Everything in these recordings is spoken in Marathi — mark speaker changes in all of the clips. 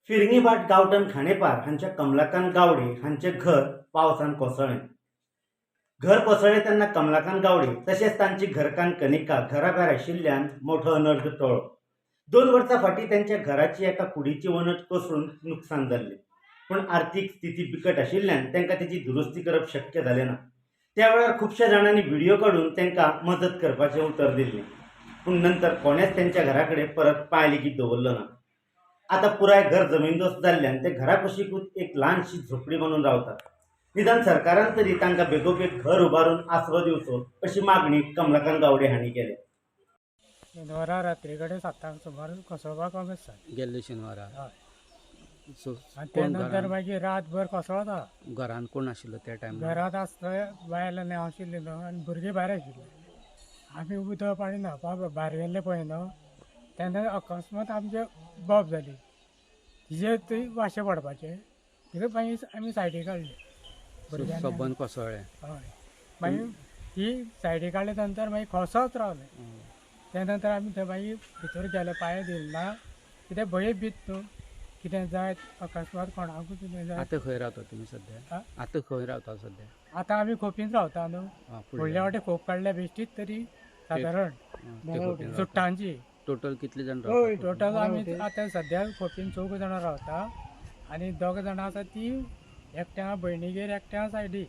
Speaker 1: फिरंगीभाट गांवठण खांडेपार हांच्या कमलाकांत गावडे हांचे घर पावसान कोसळ्ळें. घर कोसळ्ळें तेन्ना कमलाकांत गावडे तशेंच तांची घरकान्न कनिका घराभायर आशिल्ल्यान मोठो अनर्थ टळ्ळो. 2 वर्सां फाटीं तांच्या घराची एका कुडीची वणट कोसळून नुकसान जाल्लें, पूण आर्थीक स्थिती बिकट आशिल्ल्यान तांकां तेची दुरुस्ती करप शक्य जालें ना. त्या वेळार खुबश्या जाणांनी व्हिडिओ काडून तांकां मदत करपाचें उतर दिल्लें, पूण नंतर कोणेच तांच्या घरा कडेन परत पांय लेगीत दवरलो ना. आतां पुराय घर जमीनदोस्त जाल्ल्यान ते घरा कुशीकूच एक ल्हानशी झोपडी बांदून रावतात. निदान सरकारान तरी तांकां बेगोबेग घर उबारून आसरो दिवचो अशी मागणी कमलाकांत गावडे हांणी केल्या.
Speaker 2: शेनवारा रात्री कडेन 7 सुमार कोसळपाक आसा
Speaker 3: गेल्ले शेनवारा. सो
Speaker 2: आनी ते नंतर मागीर रातभर कोसळता.
Speaker 3: घरान कोण आशिल्लो त्या टायमार?
Speaker 2: घरांत आसता बायल आनी हांव आशिल्ले न्हू आनी भुरगीं भायर आशिल्ले. आमी उदक पाणी न्हावपाक भायर गेल्ले पळय न्हू तेन्ना अकस्मात आमचे बॉब जाली. तिजे थंय वाशे पडपाचे तिका मागीर आमी सायडीक काडले.
Speaker 3: सबंद कोसळ्ळें.
Speaker 2: हय मागीर ती सायडीक काडले नंतर मागीर खोसत रावले. त्या नंतर आमी थंय मागीर भितर गेले पांय दिले कितें भंय भीत न्हू कितें जाय अकस्मात कोणाकूय कितें जाय.
Speaker 3: आतां खंय रावता तुमी सद्या? आतां खंय रावता सद्या?
Speaker 2: आतां आमी खोपीन रावता न्हू. फुडल्या वाटे खोप काडल्या बेश्टीत तरी सादारण सुट्टांची.
Speaker 3: टोटल कितले जाण रावता?
Speaker 2: टोटल आमी आतां सद्या खोपीन 4 जाणां रावता आनी 2 जाणां आसा ती एकट्या भयणीगेर एकट्या सायडीक.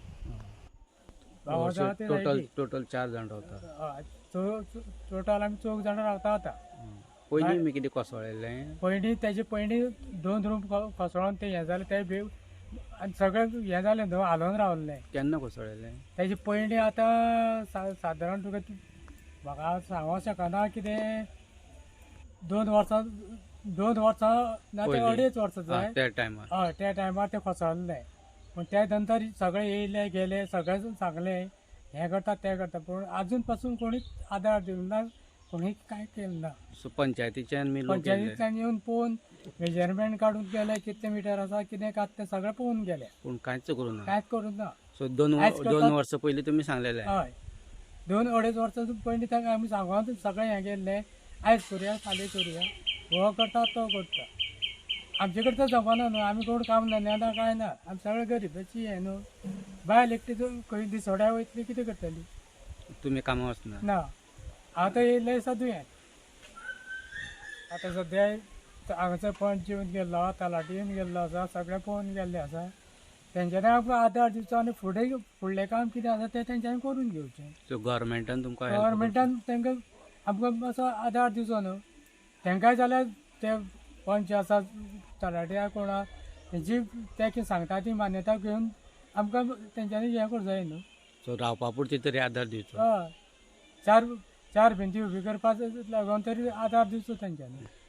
Speaker 3: टोटल 4 जाण रावता.
Speaker 2: टोटल आमी 4 जाणां रावता आतां.
Speaker 3: पयलीं मी कितें कोसळ्ळेलें?
Speaker 2: पयलीं तेजे पयलीं 2 रूम कोसळोन ते हें जालें ते बी आनी सगळें हें जालें न्हू हालोवन रावल्लें.
Speaker 3: केन्ना कोसळ्ळेलें?
Speaker 2: तेजे पयलीं आतां सादारण तुका म्हाका सांगूं शकना कितें 2 वर्सां ना ते 2.5 वर्सां जाय
Speaker 3: त्या टायमार.
Speaker 2: हय त्या टायमार ते कोसळ्ळें. पूण त्या नंतर सगळे येयले गेले सगळे सांगलें हें करता तें करता पूण आजून पासून कोणीच आदार दिवंक ना, कोणी कांय केलें ना.
Speaker 3: सो पंचायतीच्यान
Speaker 2: पंचायतींतल्यान येवन पळोवन मेजरमेंट काडून गेले कितले मिटर आसा कितें कात तें सगळें पळोवन गेले
Speaker 3: पूण कांयच करूं ना.
Speaker 2: कांयच करूं ना.
Speaker 3: सो 2 वर्सां पयलीं तुमी सांगलेलें?
Speaker 2: हय 2-2.5 वर्सां पयलीं ताका आमी सांगून सगळें हें गेल्लें आयज करुया फाल्यां करुया हो करता तो करता. आमचे कडेन तो जमाना न्हू आमी कोण काम धंद्याना कांय ना आमी सगळें गरीबाची हें न्हू. बायल एकटी खंय दिसोड्या वयतली कितें करतली?
Speaker 3: तुमी कामां वचना?
Speaker 2: ना आतां येयल्लें आसा दुयेंत. आतां सद्या हांगासर पंच येवन गेल्लो तलाटी येवन गेल्लो आसा सगळें पळोवन गेल्ले आसा. तेंच्यांनी आमकां आदार दिवचो आनी फुडलें काम कितें आसा तें तेंच्यांनी करून घेवचें.
Speaker 3: सो गव्हर्मेंटान तुमकां
Speaker 2: गव्हर्मेंटान तांकां आमकां मातसो आदार दिवचो न्हू. तेंकाय जाल्यार ते पंच आसा तलाटी कोणा तेंची ते कितें सांगता ती मान्यता घेवन आमकां तेंच्यांनी हें करूं जाय न्हू.
Speaker 3: सो रावपा पुरती तरी आदार दिवचो.
Speaker 2: हय चार भिंती उबी करपाक लागून तरी आदार दिवचो तेंच्यांनी.